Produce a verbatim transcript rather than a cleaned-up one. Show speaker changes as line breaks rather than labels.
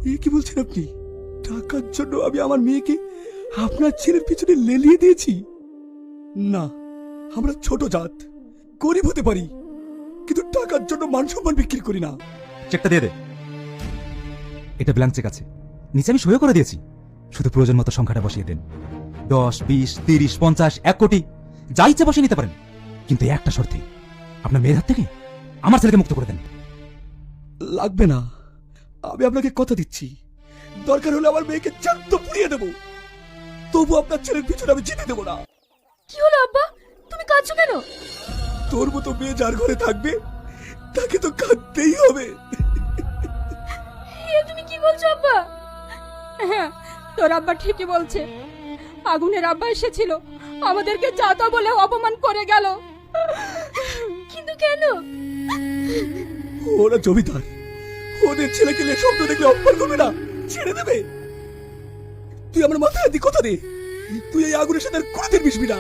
এ কি বলছেন আপনি? টাকার জন্য আমি আমার মেয়েকে আপনার ছেলের পিছনে লেলিয়ে দিয়েছি? না, আমরা ছোট জাত, গরিব হতে পারি, কিন্তু টাকার জন্য মান সম্মান বিক্রি করি না।
চেকটা দিয়ে দে। এটা ব্ল্যাঙ্ক চেক আছে, নিচে আমি সইও করে দিয়েছি। শুধু প্রয়োজন মতো সংখ্যাটা বসিয়ে দেন। দশ, বিশ, তিরিশ, পঞ্চাশ, এক কোটি যা ইচ্ছে বসিয়ে নিতে পারেন, কিন্তু এই একটা শর্তে, আপনার মেয়ের হাত থেকে আমার ছেলেকে মুক্ত করে দেন।
লাগবে না, আমি আপনাকে কথা দিচ্ছি, দরকার হলে আমার মেয়েকে জ্যান্ত পুড়িয়ে দেবো, তবু আপনার ছেলের পিছনে আমি জিতে দেবো না।
কি হলো আব্বা, তুমি কাঁদছো কেন?
তোর মতো মেয়ে যার ঘরে থাকবে তাকে তো কাঁদতেই হবে।
এ তুমি কি বলছো আব্বা? হ্যাঁ, তোর আব্বা ঠিকই বলছে। আগুনের আব্বা এসেছিল, আমাদেরকে যা তা বলে অপমান করে গেল। কিন্তু কেন?
ওরা জমিদার, ওদের ছেলেকে নিয়ে স্বপ্ন দেখলে অপমান করবে না, ছেড়ে দেবে। তুই আমার মাথায় দি কথা দে, তুই এই আগুনের সাথে আর কোনোদিন মিশবি না।